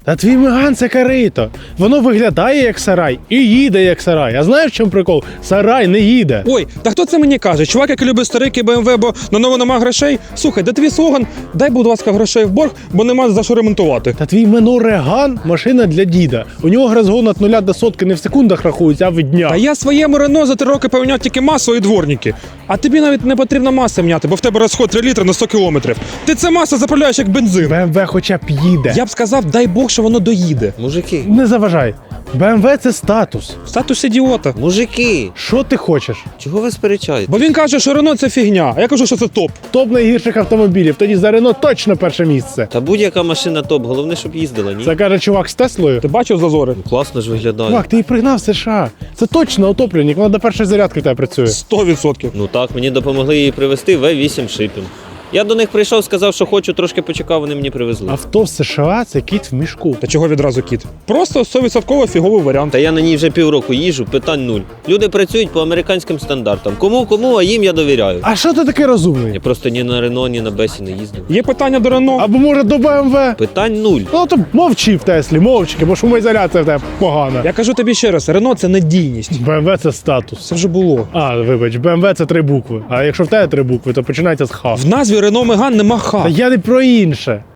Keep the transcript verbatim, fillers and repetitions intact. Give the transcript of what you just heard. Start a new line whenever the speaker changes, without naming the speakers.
Та твій Меган це корито. Воно виглядає як сарай і їде як сарай. А знаєш, в чому прикол? Сарай не їде.
Ой, та хто це мені каже? Чувак, який любить старики Б М В, бо на нову нема грошей? Слухай, де твій слоган? Дай, будь ласка, грошей в борг, бо нема за що ремонтувати.
Та твій Мено Реган – машина для діда. У нього розгон від нуля до сотки не в секундах рахується, а в днях.
А я своєму Рено за три роки поміняв тільки масло і дворники. А тобі навіть не потрібно масло міняти, бо в тебе розход три літри на сто кілометрів. Ти це масло заправляєш як бензин.
Б М В хоча б їде.
Я б сказав, дай Бог, що воно доїде.
Мужики,
Не заважай. Б М В це статус.
Статус ідіота.
мужики,
Що ти хочеш?
чого ви сперечаєте?
Бо він каже, що Рено це фігня, а я кажу, що це топ.
Топ найгірших автомобілів. Тоді за Рено точно перше місце.
Та будь-яка машина топ, головне, щоб їздила, ні?
Це каже чувак з Теслою.
Ти бачив зазори?
Класно ж виглядає.
Чувак, ти її пригнав в США. Це точно утопленник, вона до першої зарядки в тебе працює.
Сто відсотків.
Ну так, мені допомогли її привезти В вісім шипінг. Я до них прийшов, сказав, що хочу, трошки почекав, вони мені привезли.
Авто в США це кіт в мішку.
Та чого відразу кіт? Просто сто відсотків фіговий варіант.
Та я на ній вже півроку їжджу, питань нуль. Люди працюють по американським стандартам. Кому, кому, а їм я довіряю.
А що ти такий розумний?
Я просто ні на Рено, ні на Бесі не їздив.
Є питання до Рено.
Або може до Б М В?
Питань нуль.
Ну то мовчи в Теслі, мовчки, бо шумоізоляція в тебе погана.
Я кажу тобі ще раз, Рено це надійність.
Б М В це статус.
Це вже було.
А, вибач, Б М В це три букви. А якщо в тебе три букви, то починається з Х.
В назві Рено Меган нема ха.
Та я не про інше.